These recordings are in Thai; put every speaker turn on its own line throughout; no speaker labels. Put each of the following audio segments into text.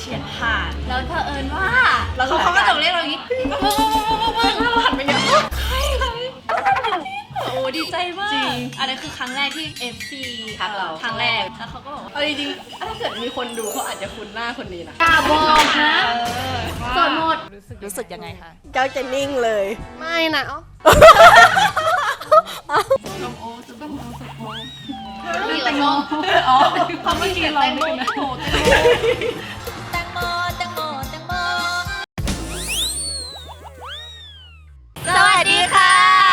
ฉียดผ่านแล้วเผอิญว่า
แล้วเขา
เขาก็จะเรียกเราอย่างนี้มึงเราหันไปเนี่ยโอ้ดีใจมากจริงอันนี้คือครั้งแรกที่ FC
ทักเรา
ครั้งแรกแล้วเขาก็บอกว่า
เอาจริงๆถ้าเกิดมีคนดูเขาอาจจะคุ้นหน้าคนนี้นะ
กล้าบอกนะสดหมด
รู้สึกยังไงคะ
เจ้าจะนิ่งเลยไม่นะ
นี่แตงโมอ๋อเขาไม่เขียนแตงโมแตงโมแตงโมแตงโมแตงโมสวัสดีค่ะ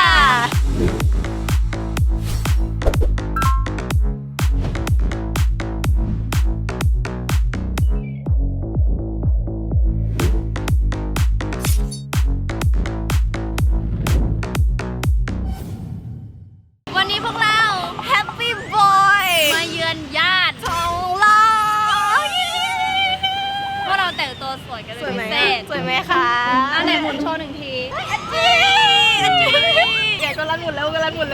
วันนี้พวกเราแฮปปี้บอยมาเยือนญาติของเราพวกเราแต่งตัวสวยกันเป็นพิเศษ
สวยไหมคะ
อันไหนหมุนโชว์หนึ่งที
แกก็รันหมดแล้ว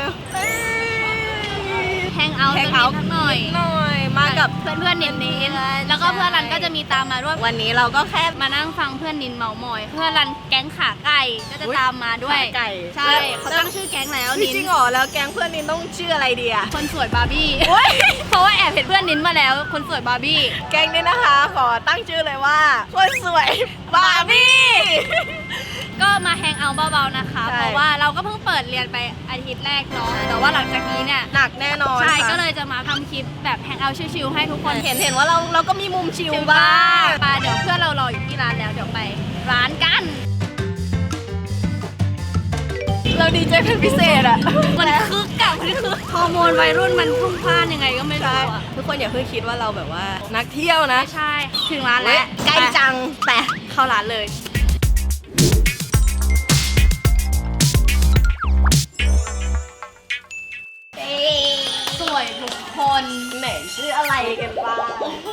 แฮงเอาท์สักนิดหน่อย
มากับ
เพื่อนนินแล้วก็เพื่อนรันก็จะมีตามมาด้วย
วันนี้เราก็แค่
มานั่งฟังเพื่อนนินเมามอย เพื่อนรันแก๊งขาไก่ก็จะตามมาด้วย
ขาไก่
ใช่เขาตั้งชื่อแก๊งแล้วนิน
จริงเหรอแล้วแก๊งเพื่อนนินต้องชื่ออะไรดีอะ
คนสวยบาร์บี้เพราะว่าแอบเห็นเพื่อนนินมาแล้ว คนสวยบาร์บี้
แก๊งนี้นะคะขอตั้งชื่อเลยว่าคนสวยบาร์บี้
ก็มาแฮงเอาท์เบาๆนะคะ
ใช่
เพราะว่าเราก็เพิ่งเปิดเรียนไปอาทิตย์แรกเนาะแต่ว่าหลังจากนี้เนี่ย
หนักแน่นอน
ใช่
ค่ะ
ก็เลยจะมาทำคลิปแบบแฮงเอาท์ชิลๆให้ทุกคน
เห็นว่าเราก็มีมุมชิลบ้าง
ไปเดี๋ยวเพื่อนเรารออยู่ที่ร้านแล้วเดี๋ยวไปร้านกัน
เราดีใจเป็นพิเศษอะ
มันคึกกับมันคือฮอร์โมนวัยรุ่นมันพุ่งพล่านยังไงก็ไม่รู้อะ
ทุกคนอย่าเพิ่งคิดว่าเราแบบว่านักเที่ยวนะ
ไม่ใช่ถึงร้านแล้ว
ใกล้จัง
แต่เข้าร้านเลยสวยทุกคน
ไหนชื่ออะไรกันบ้าง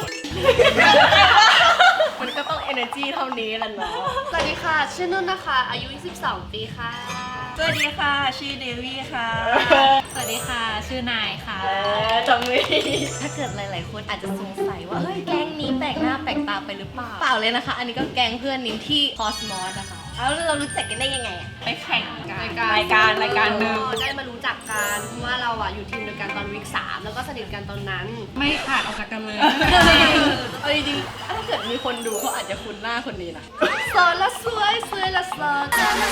มันก็ต้อง energy เท่านี้แหละเนาะ
สวัสดีค่ะชื่อนุ่นนะคะอายุ22ปีค่ะ
สวัสดีค่ะ ชื่อเดวี่ค่ะ
สวัสดีค่ะชื่อนายค่ะ
จำไม่
ถ้าเกิดหลาย ๆ คนอาจจะสงสัยว่าเฮ้ยแก๊งนี้แปลกหน้าแปลกตาไปหรือเปล่า
เปล่าเลยนะคะ อันนี้ก็แก๊งเพื่อนนิ้มที่
Cosmos นะคะ
เอาแล้วเรารู้จักกันได้ยังไงอะ
ไปแข่งกัน
รายการหนึ่ง
ได้มารู้จักกันเพราะว่าเราอะอยู่ทีมเดียวกันตอนวิก3แล้วก็สนิทกันตอนนั้น
ไม่ขาดออกจากกันเลย
เอาจริงๆถ้าเกิดมีคนดูเขาอาจจะคุ้นหน้าคนนี้นะ
โสดละสวยสวยละโสด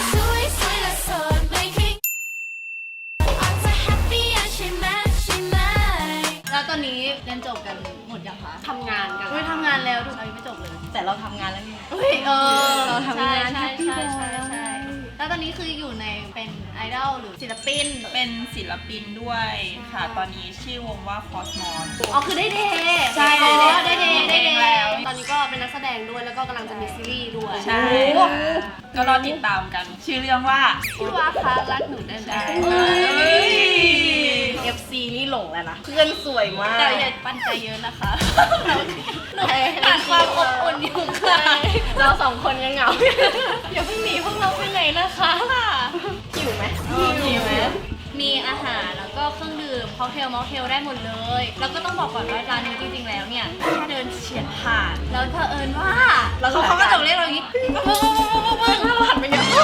แล้วตอนนี้เรียนจบกันหมดยังคะ
ทำงานกัน
ไม่ทำงานแล้วทุกคนยังไม่จบเลย
แต่เราทำงานแล้วไง
เฮ้ย
เราทำงาน
ใช่
Happy
ใช่
Boy
ใช่ใช่แล้วตอนนี้คืออยู่ในเป็นไอดอลหรือศิลปิน
เป็นศิลปินด้วยค่ะ ตอนนี้ชื่อวงว่า Cosmos
อ๋อคือได้เดย์
ใช่
อ๋อ
ได้
ได้
เด
เด
ย์
ย์
ได้
ได้
เด
เด
ย์
ย์ตอนนี้ก็เป็นนักแสดงด้วยแล้วก็กำลังจะมีซีรีส์ด้วย
ใช่ก็รอติดตามกัน ชื่อเรื่องว่า
พี่ว่าคะรักหนูได้ไหม
เฮ้ย
FC นี่หลงแล้วนะเพื่อนสวยมาก
แต่อย่าปั้นใจเยอะนะคะขาดความอบอุ่นอยู่ค่ะ
เราสองคนยังเหงา
อย่าเพิ่งหนีพวกเราไปไหนนะคะ
หิวไหม
หิวไหมมีอาหารแล้วก็เครื่องดื่มค็อกเทลมอลเทลได้หมดเลย แล้วก็ต้องบอกก่อนว่าร้านนี้จริงๆแล้วเนี่ยแค่เดินเฉียดผ่านแล้วเผอิญว่าเขาก็จะเรียกเราอย่างนี้มึงเราหันไปเนี่ย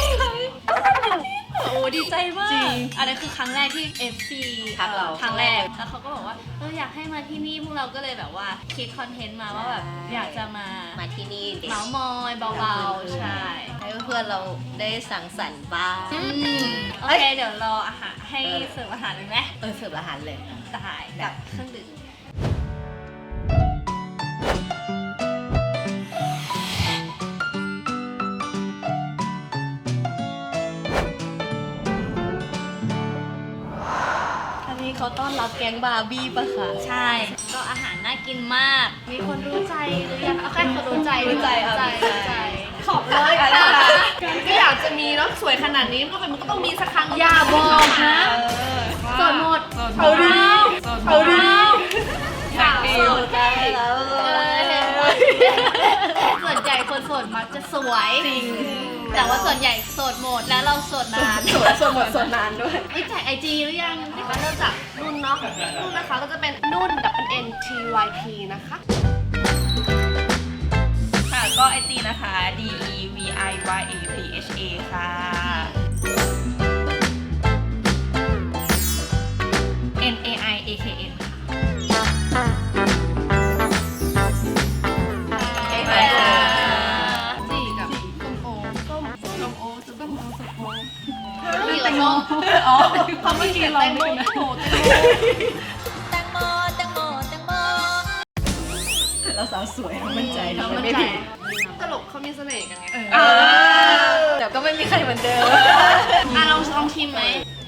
โอ้ดีใจมาก
จริง
อันนี้คือครั้งแรกที่ FC
ทักเรา
ครั้งแรกแล้วเขาก็บอกว่าอยากให้มาที่นี่พวกเราก็เลยแบบว่าคิดคอนเทนต์มาว่าแบบอยากจะมา
ที่นี่เด็ก
เมาส์มอยเบาๆใช่
ให้เพื่อนเราได้สังสรรค์บ้าง
โอเคเดี๋ยวรออาหารให้เสิร์ฟอาหารเลยไหม
เสิร์ฟอาหารเลย
ได้กับเครื่องดื่ม
อันนี้เขาต้อนรับแก๊งบาร์บี้ปะคะ
ใช่ ก็อาหารน่ากินมาก มีคนรู้ใจหรือยังเอาแค่คนรู้ใจ
รู้ใจเอา
รู้ใจ
ขอบเลยค่ะ
ก็อยากจะมีแล้วสวยขนาดนี้มันก็ต้องมีสักครั้งอย่าบอกนะสดหมด
เอาดิเอาดิ
อยาก
ดิ
ส
ว
ด
ได้แล้ว
ส่วนใหญ่คนโสดมักจะสวยจริง แต่ว่าส่วนใหญ่โสดหมดแล้วเราโสดนาน
สวดหมดสวดนานด้วย
ไม่แจกไอจีหรือยัง
มาเริ่มจากนุ่นเนาะนุ่นนะคะก็จะเป็นนุ่น WNTYP นะคะ
IG นะคะ DEVIYAPHA ค่ะ
NAIAKN จีกับส้มโอส้มโอแตงโมอ๋อเขาไม่กินเราไม่กินนะ
แตงโมแตงโมแตงโม
เราสาวสวยมั่นใจ
เรา
ทำ
มั่น
ไม่
ใจ
ผิด
ตลกเขามีเสน่ห์กันไง
เดี๋ยวก็ไม่มีใครเหมือนเดิม
ลองชิมไหม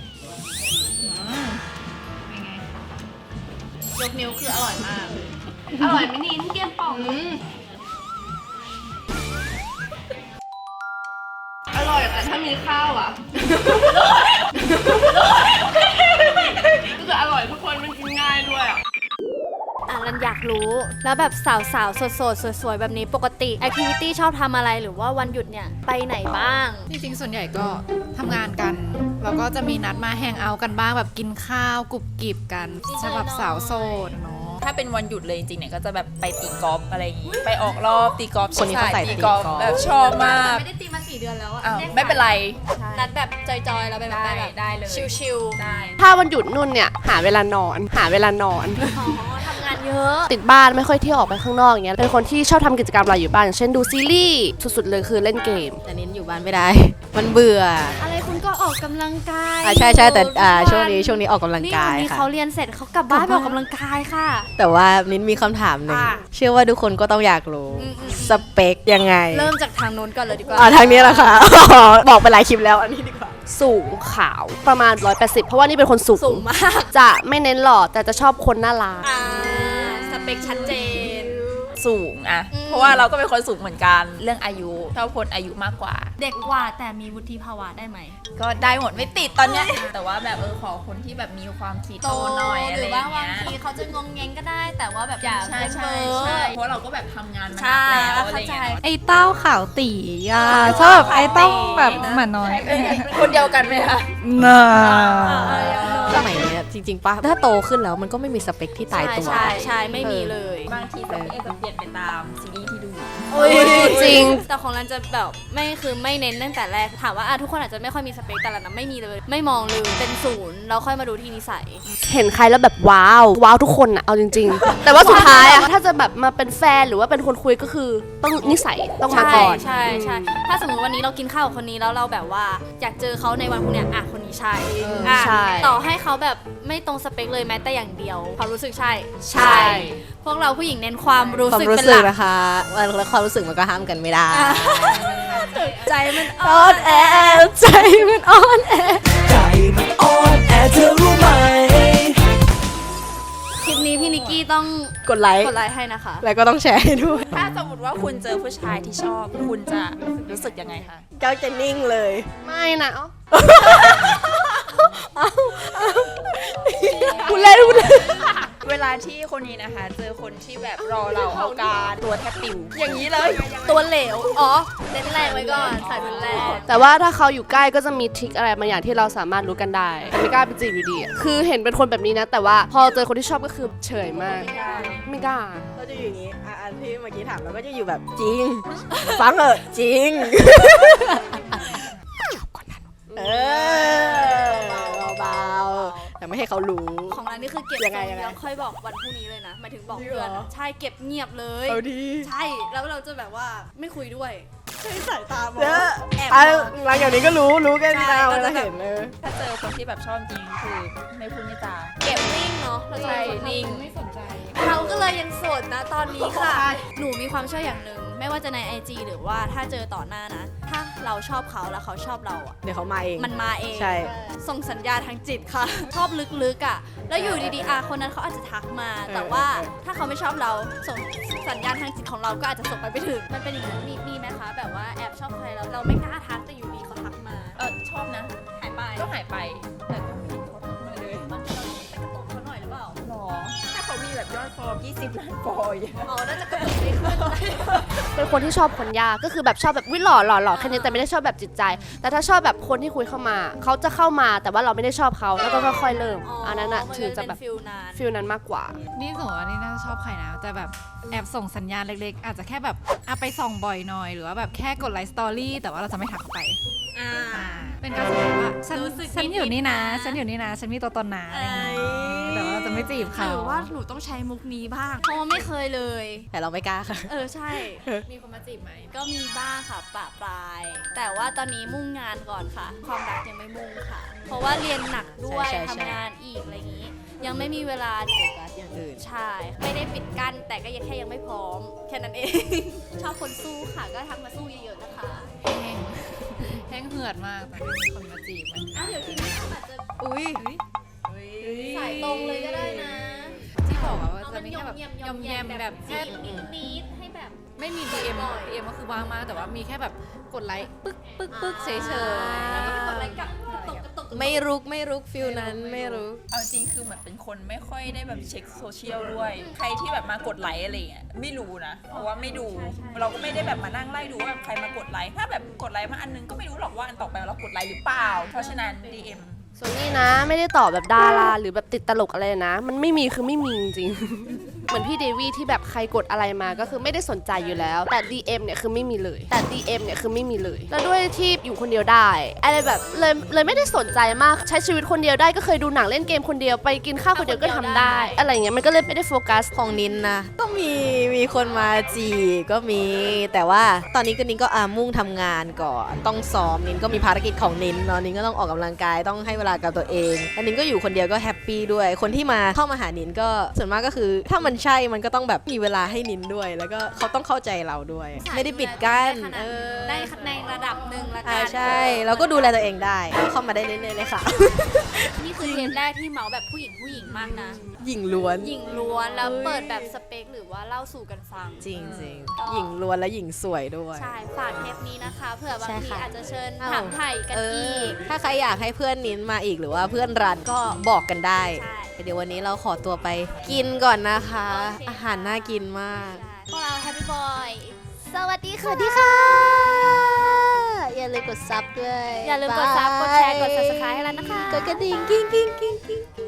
เป็นไงยกนิ้วคืออร่อยมาก อร่อยไหมนิ้นเกี๊ยวป่องอร่อยแต่ถ้ามีข้าวอ่ะก็คืออร่อยทุกคนมันกินง่ายด้วยอ่ะ
รันอยากรู้แล้วแบบสาวๆโสดๆสวยๆแบบนี้ปกติแอคทิวิตี้ชอบทำอะไรหรือว่าวันหยุดเนี่ยไปไหนบ้าง
จริงๆส่วนใหญ่ก็ทำงานกันแล้วก็จะมีนัดมาแฮงเอาท์กันบ้างแบบกินข้าวกรุบกริบกันสำหรับสาวโสดเนาะ
ถ้าเป็นวันหยุดเลยจริงๆเนี่ยก็จะแบบไปตีกอล์ฟอะไรอย่างงี้ไปออกรอบตีกอล์ฟ
คนนี้เขาใส่
ตีกอล์ฟ
ตีกอล์ฟ
แบบชอบมาก
ไม่ได้ตีมา4 เดือนแล้วอะ
อ้าวไม่เป็นไร
นัดแบบจอยๆแล้วไปแบบ
ได้เลย
ชิลๆ
ได้
ถ้าวันหยุดนุ่นเนี่ยหาเวลานอน
อ๋อทำงานเยอะ
ติดบ้านไม่ค่อยเที่ยวออกไปข้างนอกอย่างเงี้ยเป็นคนที่ชอบทำกิจกรรมอะไรอยู่บ้านอย่างเช่นดูซีรีส์สุดๆเลยคือเล่นเกม
แต่นิ้นอยู่บ้านไม่ได้ มันเบื่อ
อะไรคุณก็ออกกำลังกาย
ใช่แต่
ทุก
ช่วงนี้ออกกำลัง
นี่
กา
วัน
ย
นี้
ค่ะ
เขาเรียนเสร็จเขากลับบ้านไปออกกำลังกายค่ะ
แต่ว่านิ้นมีคำถามหนึ่ง
อ่ะ
เชื่อว่าทุกคนก็ต้องอยากรู้ สเปคยังไง
เริ่มจากทางนู้นก่อนเลยดีกว่า
ทางนี้แหละค่ะ บอกไปหลายคลิปแล้วอันนี้ดีกว่า
สูงขาวประมาณ 180 เพราะว่านี่เป็นคนสูง
สูงมาก
จะไม่เน้นหล่อแต่จะชอบคนน่ารัก
สเปคชัดเจน
สูงอะเพราะว่าเราก็เป็นคนสูงเหมือนกันเรื่องอายุชอบคนอายุมากกว่า
เด็กกว่าแต่มีวุฒิภาวะได้ไหม
ก็ได้หมดไม่ติดตอนเนี้ยแต่ว่าแบบขอคนที่แบบมีความคิดโตหน่อยอะ
ห
ไร
รือ
อ
ว่า
ย่าง
บาง
เงี้ย
ทีเขาจะงงเงงก็ได้ แต่ว่าแบบอย่า
ใช่
เป็น
ใช่
เบอร์
ใช่เพราะเราก็แบบทำงานมา
ใช่
นานแล้วอะไร
เข้าใจ
เงี้ย
ไอ้เต้าขาวตีอ่ะชอบไอ้ต้องแบบหมาน้อย
คนเดียวกันไหมคะ
น่า
สมัยเนี้ยจริงๆป่ะถ้าโตขึ้นแล้วมันก็ไม่มีสเปคที่ตายตัว
ใช่ไม่มีเลย
บางทีสเปคจะเปลี่ยนไปตามซีรีส์ที่ดู
จริง
แต่ของรันจะแบบไม่เน้นตั้งแต่แรกถามว่าทุกคนอาจจะไม่ค่อยมีสเปคแต่รันไม่มีเลย ไม่มองเลยเป็นศูนย์เราค่อยมาดูที่นิสัย
เห็นใครแล้วแบบว้าวทุกคนอะเอาจริง ๆ แต่ว่าสุดท้ายอะถ้าจะแบบมาเป็นแฟนหรือว่าเป็นคนคุยก็คือต้องนิสัยต้องมาก่อน
ใช่ถ้าสมมติวันนี้เรากินข้าวกับคนนี้แล้วเราแบบว่าอยากเจอเขาในวันพรุ่งนี้คนนี้ใช่อ่ะ
ใช่
ต่อให้เขาแบบไม่ตรงสเปคเลยแม้แต่อย่างเดียวความรู้สึกใช่ พวกเราผู้หญิงเน้นความรู้
ความ
สึก
รู้
เป็น
สึ
ห
ก
ลัก
นะคะแล้วความรู้สึกมันก็ห้ามกันไม่ได้
ใจมัน
อ่อนแอใจมันอ่อนแอ
คลิปนี้พี่นิกกี้ต้อง
กดไลค์
กดไลค์ให้นะคะ
แล้วก็ต้องแชร์ให้ด้วย
ถ้าสมมติว่าคุณเจอผู้ชายที่ชอบ คุณจะรู้สึกยังไงคะ
เจ้าจะนิ่งเลย
ไม่นะพูดเล่น
เวลาที่คนนี้นะคะ เจอคนที่แบบรอเราเอาการตัวแทบปิวอย่างนี้เลย
ตัวเหลวเน้นแรงไว้ก่อนใส่เป็นแรง
แต่ว่าถ้าเขาอยู่ใกล้ก็จะมีทริคอะไรบางอย่างที่เราสามารถรู้กันได้แต่ไม่กล้าไปจีบอยู่ดีอะคือเห็นเป็นคนแบบนี้นะ แต่ว่าพอเจอคนที่ชอบก็คือเฉยมาก ไม่กล้า
ก็จะอยู่อย่างนี้อันที่เมื่อกี้ถามเราก็จะอยู่แบบจริง ฟังเถอะจริงเบาๆแต่ไม่ให้เขารู้
ของเรานี่คือเก็บ
ยังไง
แล้วค่อยบอกวันพรุ่งนี้เลยนะหมายถึงบอกเพื่อนอะใช่เก็บเงียบเลย
เอาดี
ใช่แล้วเราจะแบบว่าไม่คุยด้วยใช้สายตามอง
เยอะ
แอบ
อ่ะ
มอง
หลังจากนี้ก็รู้กัน
ใช่
ตาม
ก็
เรา
จะแบบ
เห็นเลย
ถ้าเจอคนที่แบบชอบจริงคือไม่พูดไม่จา
เก็บนิ่งเนาะเราจะ
ใช่
เป็นคน
นิ่ง
ไม่สนใจเราก็เลยยังโสดนะตอนนี้ค่ะ หนูมีความเชื่ออย่างหนึ่งไม่ว่าจะใน IG หรือว่าถ้าเจอต่อหน้านะ ถ้าเราชอบเขาแล้วเขาชอบเราอ่ะ
เดี๋ยวเขามาเอง
มันมาเอง
ใช่
ส่งสัญญาณทางจิตค่ะ ชอบลึกๆอ่ะแล้วอยู่ดีๆคนนั้นเขาอาจจะทักมา แต่ว่าถ้าเขาไม่ชอบเราส่งสัญญาณทางจิตของเราก็อาจจะส่งไปไม่ถึงมันเป็นอย่างนั้นมีไหมคะแบบว่าแอบชอบใครแล้วเราไม่กล้าทักแต่อยู่ดีเขาทักมา
ชอบนะ
หายไป
ก็หายไป แต่ก็ไม่เห็นเขาทักมาเลย
บางทีเราไปกระตุกเขาหน่อยหรือเปล่า
หรอ ถ้าเขามีแบบยอดฟอล20 ล้านฟอลอย่างเงี้ย
อ๋อน่าจะกระตุกไม่ขึ้น
เป็นคนที่ชอบคนยากก็คือแบบชอบแบบวิหล่อแค่นี้แต่ไม่ได้ชอบแบบจิตใจ แต่ถ้าชอบแบบคนที่คุยเข้ามาเขาจะเข้ามาแต่ว่าเราไม่ได้ชอบเขาแล้วก็ค่อยๆเริ่มอันนั้นอะถึงจะแบบ
ฟิลนาน
ฟิลนั้นมากกว่า
นี่สมมติว่านี่น่าจะชอบใครนะจะแบบแอบส่งสัญญาณเล็กๆ อาจจะแค่แบบไปส่องบ่อยหน่อยหรือว่าแบบแค่กดไลค์สตอรี่แต่ว่าเราจะไม่ทักเข้าไปเป็นการสื่อว่าฉันอยู่นี่นะฉันอยู่นี่นะฉันมีตัวตนนะอะไรอย่างงี้แต่ว่าเราจะไม่จีบเขา
หรือว่าหนูต้องใช้มุกนี้บ้างเพราะว่าไม่เคยเลย
แต่เราไม่กล้าค่ะ
ใช่
มีคนมาจีบไหม
ก็มีบ้างค่ะปะปลาย แต่ว่าตอนนี้มุ่งงานก่อนค่ะ ความรักยังไม่มุ่งค่ะ เพราะว่าเรียนหนักด้วย
ใช่
ทำงานอีกอะไรอย่างนี้ ยังไม่มีเวลา
โฟกัสอย่างอื่น
ใช่ ไม่ได้ปิดกั้นแต่ก็ยังแค่ยังไม่พร้อม แค่นั้นเอง ชอบคนสู้ค่ะ ก็ทักมาสู้เยอะๆนะคะ
แห้งเหือดมากแต่ไม่มีคนมาจีบมัน
เดี๋ยวทีนี้อาจจะ
อุ้ย
สายตรงเลยก็ได้นะ
ที่บอกว่า
เอา
จะ
มัน
มี
ย
แค่
อ
แบ
ม
บ
แยม
ยอมแยมแบบแค่
นิดๆให้แบบ
ไม่มี DM ก็คือว่างมากแต่ว่ามีแค่แบบกดไลค์ปึ๊กเฉยๆ
แล้วก็ไปกดไลค์กลับกระตุก
ไม่รุกฟิลนั้นไม่รุก
เอาจริงคือเหมือนเป็นคนไม่ค่อยได้แบบเช็คโซเชียลด้วย ใครที่แบบมากดไลค์อะไรเงี้ยไม่รู้นะ เพราะว่าไม่ดู เราก็ไม่ได้แบบมานั่งไล่ดูว่าแบบใครมากดไลค์ ถ้าแบบกดไลค์มาอันนึงก็ไม่รู้หรอกว่าอันต่อไปเรากดไลค์หรือเปล่า เพราะฉะนั้น DM
ส่วนนี้นะไม่ได้ตอบแบบดาราหรือแบบติดตลกอะไรนะ มันไม่มีคือไม่มีจริงๆ เหมือนพี่เดวี่ที่แบบใครกดอะไรมาก็คือไม่ได้สนใจอยู่แล้ว แต่ DM เนี่ยคือไม่มีเลย แต่ DM เนี่ยคือไม่มีเลย แล้วด้วยที่อยู่คนเดียวได้อะไรแบบเลยไม่ได้สนใจมากใช้ชีวิตคนเดียวได้ก็เคยดูหนังเล่นเกมคนเดียวไปกินข้าวคนเดียวก็ทำได้ อะไรอย่างเงี้ยมันก็เลยไม่ได้โฟกัส
ของนินนะก็มีคนมาจีบก็มี แต่ว่าตอนนี้ก็นินก็มุ่งทำงานก่อนต้องซ้อมนินก็มีภารกิจของนินเนาะนินก็ต้องออกกำลังกายต้องให้เวลากับตัวเองแล้วนินก็อยู่คนเดียวก็แฮปปี้ด้วยคนที่มาเข้ามาหานินก็ส่วนมากก็คือถ้ามันใช่มันก็ต้องแบบมีเวลาให้นินด้วย แล้วก็เขาต้องเข้าใจเราด้วย ไม่ได้ปิดกั้น
ได้ในระดับหนึ่งละกั
ใช่เราก็ดูแลตัวเองได้ก็เข้ามาได้เรื่อยๆเลยค่ะ
นี่คือเทปแรกที่เมาส์แบบผู้หญิงมากนะ
หญิงล้วน
หญิงล้วนแล้วเปิดแบบสเปคหรือว่าเล่าสู่กันฟัง
จริงหญิงล้วนและหญิงสวยด้วย
ใช่ ฝากเทปนี้นะคะ เผื่อบาง
ใช่
ที
ค่ะ
อาจจะเชิญถามไถ่กันอีก
ถ้าใครอยากให้เพื่อนนินมาอีกหรือว่าเพื่อนรันก็บอกกันได้
ใช่
เดี๋ยววันนี้เราขอตัวไปกินก่อนนะคะ
โอเคค่ะ
อาหารน่ากินมาก
พวกเราแฮปปี้บอยสวัสดี
ส
ค่ะ
วัสดีค่ะ อย่าลืมกดซับด้วย
อย่าลืมกดซับกดแชร์กด subscribe ให้แล้วนะคะ
กดกระดิ่งกิ้ง